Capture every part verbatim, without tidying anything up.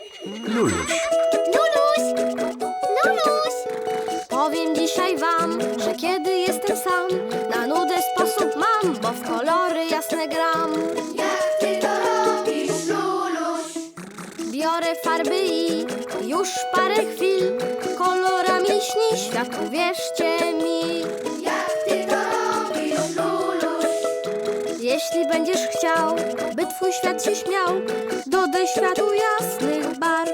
Luluś. Luluś! Luluś! Powiem dzisiaj wam, że kiedy jestem sam, na nudę sposób mam, bo w kolory jasne gram. Jak ty to robisz, Luluś? Biorę farby i już parę chwil kolorami śni świat, uwierzcie mi. Jak ty to robisz, Luluś? Jeśli będziesz chciał, by twój świat się śmiał, dodaj światu jasnych barw.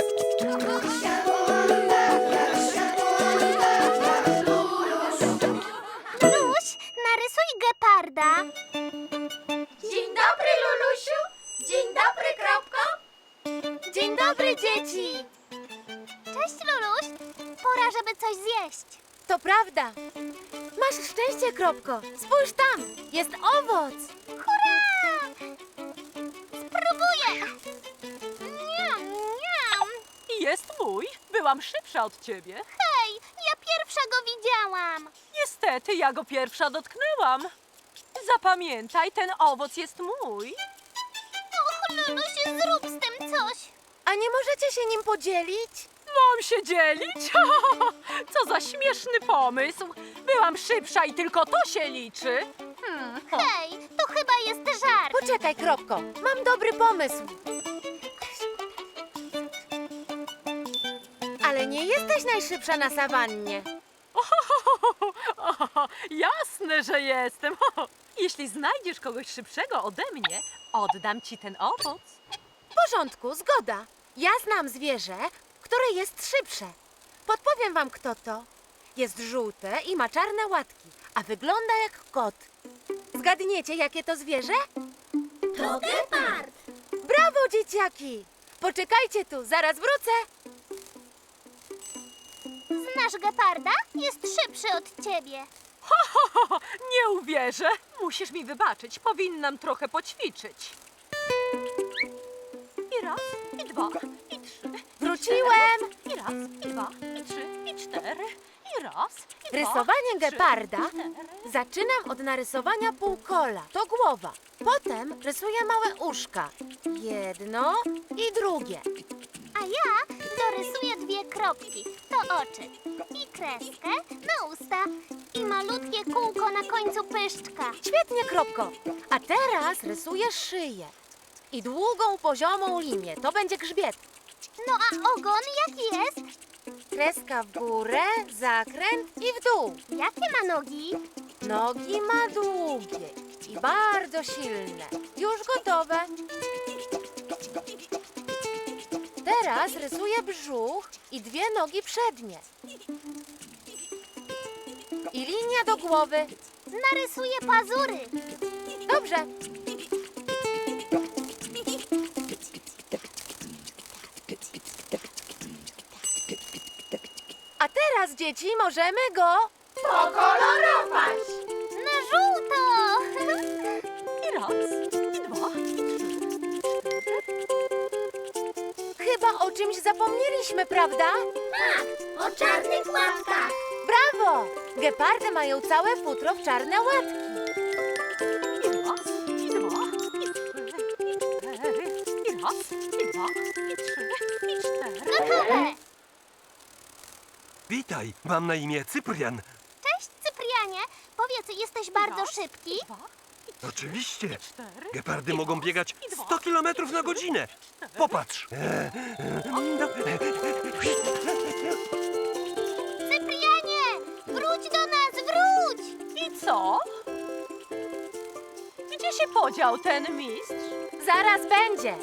Luluś, narysuj geparda. Dzień dobry, Lulusiu. Dzień dobry, Kropko. Dzień dobry, dzieci. Cześć, Luluś. Pora, żeby coś zjeść. To prawda. Masz szczęście, Kropko. Spójrz tam. Jest owoc. Hurra! Spróbuję. Niam, niam. Jest mój. Byłam szybsza od ciebie. Hej, ja pierwsza go widziałam. Niestety, ja go pierwsza dotknęłam. Zapamiętaj, ten owoc jest mój. Och, Luluś, zrób z tym coś. A nie możecie się nim podzielić? Mam się dzielić? Co za śmieszny pomysł. Byłam szybsza i tylko to się liczy. Hmm. o. Hej, to chyba jest żart. Poczekaj, Kropko. Mam dobry pomysł. Ale nie jesteś najszybsza na sawannie. Jasne, że jestem. Jeśli znajdziesz kogoś szybszego ode mnie, oddam ci ten owoc. W porządku, zgoda. Ja znam zwierzę, które jest szybsze. Podpowiem wam, kto to. Jest żółte i ma czarne łatki, a wygląda jak kot. Zgadniecie, jakie to zwierzę? To gepard. Brawo, dzieciaki! Poczekajcie tu, zaraz wrócę. Znasz geparda? Jest szybszy od ciebie. Nie uwierzę. Musisz mi wybaczyć. Powinnam trochę poćwiczyć. I raz, i dwa, i trzy. Wróciłem! I raz, i dwa, i trzy, i cztery. I raz, i dwa, Rysowanie trzy, geparda cztery. zaczynam od narysowania półkola. To głowa. Potem rysuję małe uszka. Jedno i drugie. A ja dorysuję dwie kropki. To oczy. I kreskę na usta. I malutkie kółko na końcu pyszczka. Świetnie, Kropko. A teraz rysuję szyję. I długą, poziomą linię. To będzie grzbiet. No a ogon jaki jest? Kreska w górę, zakręt i w dół. Jakie ma nogi? Nogi ma długie i bardzo silne. Już gotowe. Teraz rysuję brzuch i dwie nogi przednie. I linia do głowy. Narysuję pazury. Dobrze. A teraz, dzieci, możemy go... Pokolorować. Na żółto. I raz, i dwa, i trzy. Chyba o czymś zapomnieliśmy, prawda? Tak, o czarnych łapkach. Brawo! Gepardy mają całe futro w czarne łatki. I raz, i dwa, i trzy, i cztery. I raz, i dwa, i trzy, i cztery. Gotowe. Witaj, mam na imię Cyprian. Cześć, Cyprianie. Powiedz, jesteś bardzo Raz, szybki? dwa, Oczywiście. cztery. Gepardy i mogą raz, biegać i dwa, sto kilometrów na godzinę. Popatrz. Cyprianie, wróć do nas, wróć! I co? Gdzie się podział ten mistrz? Zaraz będzie.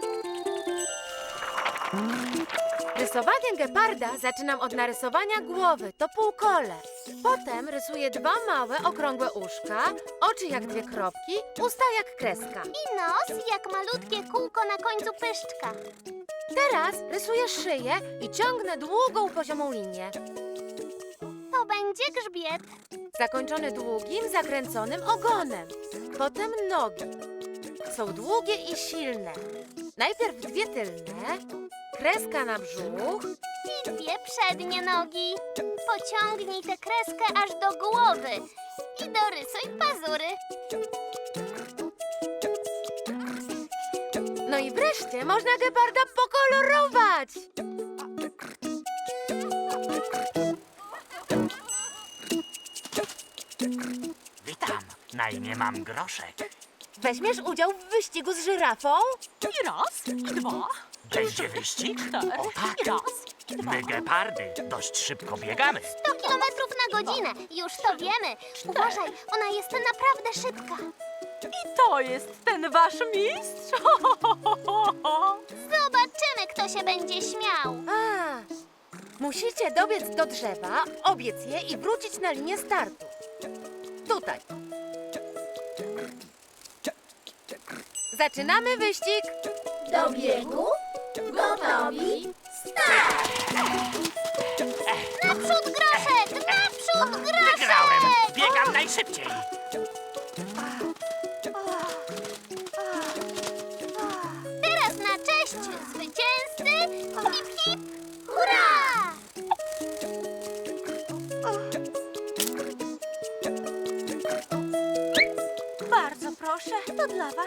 Rysowanie geparda zaczynam od narysowania głowy. To półkole. Potem rysuję dwa małe, okrągłe uszka, oczy jak dwie kropki, usta jak kreska. I nos jak malutkie kółko na końcu pyszczka. Teraz rysuję szyję i ciągnę długą, poziomą linię. To będzie grzbiet. Zakończony długim, zakręconym ogonem. Potem nogi. Są długie i silne. Najpierw dwie tylne, kreska na brzuch, I dwie przednie nogi. Pociągnij tę kreskę aż do głowy. I dorysuj pazury. no i wreszcie można geparda pokolorować. Witam, na imię mam Groszek. Weźmiesz udział w wyścigu z żyrafą? I raz, i dwa, Będzie wyścig? cztery, O tak. i raz, i dwa. My gepardy dość szybko biegamy. sto kilometrów na godzinę. Już to wiemy. Uważaj, ona jest naprawdę szybka. I to jest ten wasz mistrz? Zobaczymy, kto się będzie śmiał. A, musicie dobiec do drzewa, obiec je i wrócić na linię startu. Tutaj. Zaczynamy wyścig. Do biegu? Gotowi? Naprzód Groszek! Naprzód Groszek! Wygrałem! Biegam najszybciej! Teraz na cześć zwycięzcy! Hip, hip, hurra! Bardzo proszę, to dla was.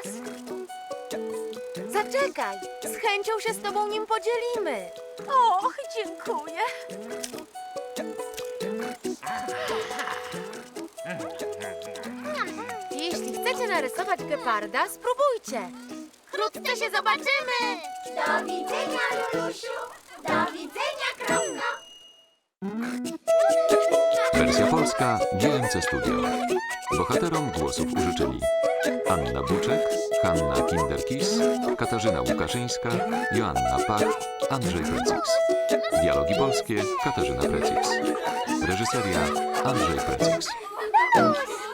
Zaczekaj, z chęcią się z tobą nim podzielimy. Och, dziękuję. Jeśli chcecie narysować geparda, spróbujcie. Wkrótce się zobaczymy! Do widzenia, Lulusiu! Do widzenia, kropka! Wersja polska G M C Studio. Bohaterom głosów użyczyli Anna Buczek, Hanna Kinderkis, Katarzyna Łukaszyńska, Joanna Pach, Andrzej Precyks. Dialogi polskie Katarzyna Precyks. Reżyseria Andrzej Precyks.